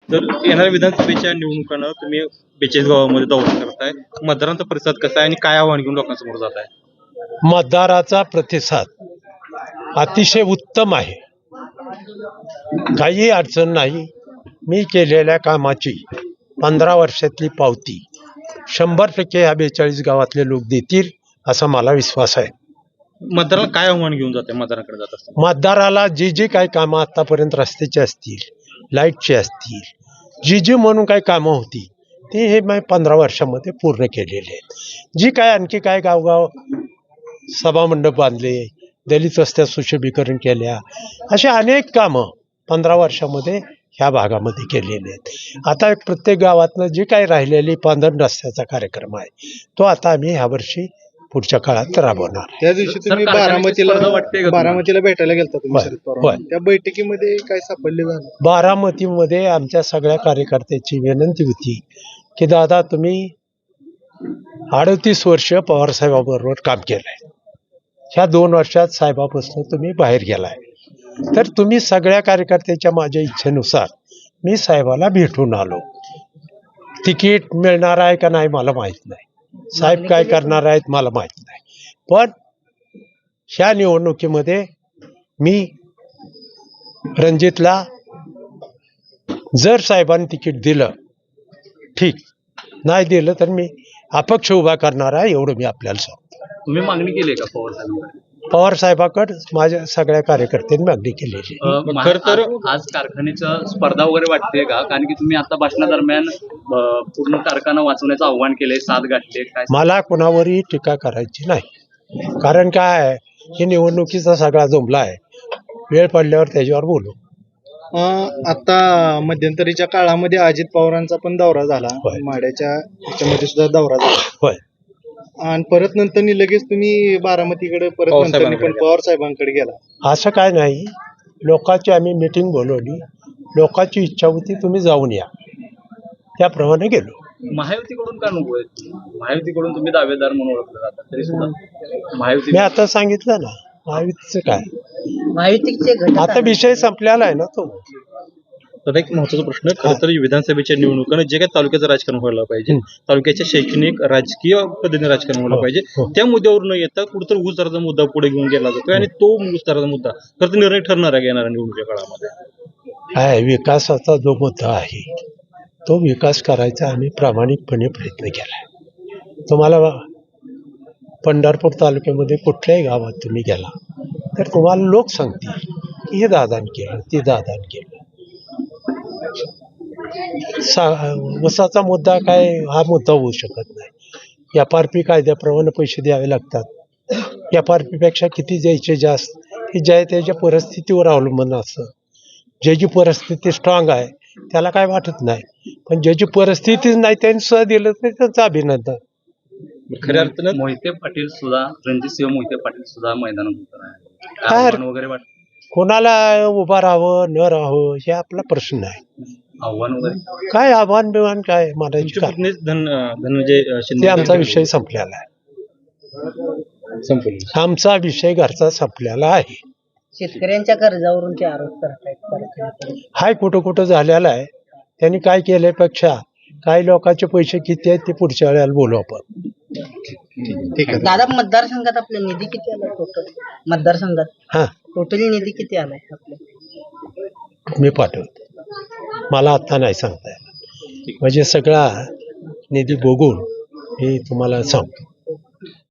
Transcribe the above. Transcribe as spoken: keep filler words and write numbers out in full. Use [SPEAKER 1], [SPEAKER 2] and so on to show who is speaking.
[SPEAKER 1] तर येणाऱ्या विधानसभेच्या निवडणुकांना तुम्ही बेचाळीस गावामध्ये दौरा करताय, मतदारांचा प्रतिसाद कसा आहे आणि काय आव्हान घेऊन लोकांसमोर जात आहे?
[SPEAKER 2] मतदाराचा प्रतिसाद अतिशय उत्तम आहे. काही अडचण नाही. मी केलेल्या कामाची पंधरा वर्षातली पावती शंभर टक्के ह्या बेचाळीस गावातले लोक देतील असा मला विश्वास आहे.
[SPEAKER 1] मतदाराला काय आव्हान घेऊन जाते मतदारांकडे जात असताना?
[SPEAKER 2] मतदाराला जी जी काही कामं आतापर्यंत रस्त्याची असतील, लाईटची असतील, जी जी म्हणून काही कामं होती ती हे मी पंधरा वर्षामध्ये पूर्ण केलेली आहेत. जी काय आणखी काय गावगाव सभामंडप बांधले, दलित वस्त्या सुशोभीकरण केल्या, अशा अनेक कामं पंधरा वर्षामध्ये ह्या भागामध्ये केलेले आहेत. आता एक प्रत्येक गावातनं जी काही राहिलेली पांधरण रस्त्याचा कार्यक्रम आहे तो आता आम्ही ह्यावर्षी पुढच्या काळात राबवणार.
[SPEAKER 3] त्या दिवशी तुम्ही
[SPEAKER 1] सर, कारखान्याची स्पर्धा वाटते का
[SPEAKER 3] बारामतीला
[SPEAKER 1] तुम्हाला?
[SPEAKER 3] बारामतीला भेटायला गेलता तुम्ही
[SPEAKER 2] होय,
[SPEAKER 3] शरद पवार.
[SPEAKER 2] होय.
[SPEAKER 3] त्या बैठकीमध्ये काय सापडले झालं?
[SPEAKER 2] बारामतीमध्ये आमच्या सगळ्या कार्यकर्त्याची विनंती होती की दादा तुम्ही अडतीस वर्ष पवारसाहेबाबरोबर काम केलंय, ह्या दोन वर्षात साहेबापासून तुम्ही बाहेर गेलाय, तर तुम्ही सगळ्या कार्यकर्त्याच्या माझ्या इच्छेनुसार मी साहेबाला भेटून आलो. तिकीट मिळणार आहे का नाही मला माहीत नाही, साहेब काय करणार आहेत मला माहीत नाही, पण ह्या निवडणुकीमध्ये मी रणजितला जर साहेबांनी तिकीट दिलं ठीक, नाही दिलं तर मी अपक्ष उभा करणार आहे, एवढं मी आपल्याला सांगतो.
[SPEAKER 1] तुम्ही मागणी केली का पवार साहेबांकडे?
[SPEAKER 2] पवार साहेबाकडे माझ्या सगळ्या कार्यकर्त्यांनी मागणी केलेली आहे.
[SPEAKER 1] खर तर
[SPEAKER 4] आज कारखान्याचं स्पर्धा वगैरे वाटते का? कारण की तुम्ही आता भाषणादरम्यान अ, पूर्ण कारखाना वाचवण्याचं आव्हान केलंय, साथ गाठले काय?
[SPEAKER 2] मला कोणावरही टीका करायची नाही, कारण काय आहे, हे निवडणुकीचा सगळा जुमला आहे. वेळ पडल्यावर त्याच्यावर बोलू.
[SPEAKER 3] अं, आता मध्यंतरीच्या काळामध्ये अजित पवारांचा पण दौरा झाला,
[SPEAKER 2] होय.
[SPEAKER 3] माड्याच्या ह्याच्यामध्ये सुद्धा दौरा झाला,
[SPEAKER 2] होय,
[SPEAKER 3] आणि परत नंतर लगेच तुम्ही बारामतीकडे परत
[SPEAKER 1] पवार
[SPEAKER 3] नंतर
[SPEAKER 1] साहेबांकडे
[SPEAKER 3] पण पवार साहेबांकडे गेला.
[SPEAKER 2] असं काय नाही. लोकांची आम्ही मीटिंग बोलवली, लोकांची इच्छा होती तुम्ही जाऊन या, त्याप्रमाणे गेलो.
[SPEAKER 4] महायुतीकडून का नको आहे? महायुतीकडून तुम्ही दावेदार म्हणून ओळखलं जातात तरी सुद्धा महायुती
[SPEAKER 2] मी आता सांगितलं ना, महायुतीचं काय,
[SPEAKER 5] महायुतीचे घटक
[SPEAKER 2] आता विषय संपलेला आहे ना तो.
[SPEAKER 1] तर एक महत्वाचा प्रश्न, खरं तर विधानसभेच्या निवडणुकांना जे काही तालुक्याचं राजकारण व्हायला पाहिजे,
[SPEAKER 2] हं.
[SPEAKER 1] तालुक्याच्या शैक्षणिक राजकीय पद्धतीने राजकारण व्हायला
[SPEAKER 2] हो,
[SPEAKER 1] पाहिजे,
[SPEAKER 2] हो.
[SPEAKER 1] त्या मुद्द्यावर न येता कुठेतरी ऊस दराचा मुद्दा पुढे घेऊन गेला जातोय आणि तो ऊस दराचा मुद्दा खरं तर निर्णय ठरणार आहे येणाऱ्या निवडणुकीच्या काळामध्ये.
[SPEAKER 2] काय विकासाचा जो मुद्दा आहे तो विकास करायचा आम्ही प्रामाणिकपणे प्रयत्न केलाय. तुम्हाला पंढरपूर तालुक्यामध्ये कुठल्याही गावात तुम्ही गेला तर तुम्हाला लोक सांगतील की हे दादान केलं, ते दादान केलं. सा वसाचा मुद्दा काय हा मुद्दा होऊ शकत नाही. एफ आर पी कायद्याप्रमाणे पैसे द्यावे लागतात. एफ आर पीपेक्षा किती द्यायचे जास्त हे ज्या त्याच्या परिस्थितीवर अवलंबून असतं. ज्याची परिस्थिती स्ट्रॉंग आहे त्याला काय वाटत नाही, पण ज्याची परिस्थितीच नाही त्यांनी सुद्धा दिलं तर त्यांचं अभिनंदन.
[SPEAKER 1] खऱ्या अर्थानं
[SPEAKER 4] मोहिते पाटील सुद्धा, रणजितसिंह मोहिते पाटील सुद्धा मैदानात उतरणार आहे.
[SPEAKER 2] काय?
[SPEAKER 4] काय आव्हान वगैरे वाटत?
[SPEAKER 2] कोणाला उभं राहावं न राहावं हे आपला प्रश्न आहे.
[SPEAKER 4] आव्हान वगैरे
[SPEAKER 2] काय आव्हान बिव्हान काय म्हणायची
[SPEAKER 1] तुमच्या
[SPEAKER 2] काय,
[SPEAKER 1] पत्नीच धन धनंजय
[SPEAKER 2] ते
[SPEAKER 1] शिंदे
[SPEAKER 2] आमचा विषय संपलेला आहे.
[SPEAKER 1] संपला.
[SPEAKER 2] आमचा विषय घरचा संपलेला आहे.
[SPEAKER 5] शेतकऱ्यांच्या कर्जावरून ते आरोप करतायत.
[SPEAKER 2] हाय कुठं कुठं झालेला आहे. त्यांनी काय केल्यापेक्षा काही लोकांचे पैसे किती आहेत ते पुढच्या वेळेला बोलू आपण.
[SPEAKER 3] ठीक आहे.
[SPEAKER 5] दादा, मतदारसंघात आपला निधी किती आलाय टोटल? मतदारसंघात
[SPEAKER 2] हां,
[SPEAKER 5] टोटल निधी किती आलाय आपल्या?
[SPEAKER 2] मी पाठवतो. मला आत्ता नाही सांगता येणार, म्हणजे सगळा निधी बघून मी तुम्हाला सांगतो.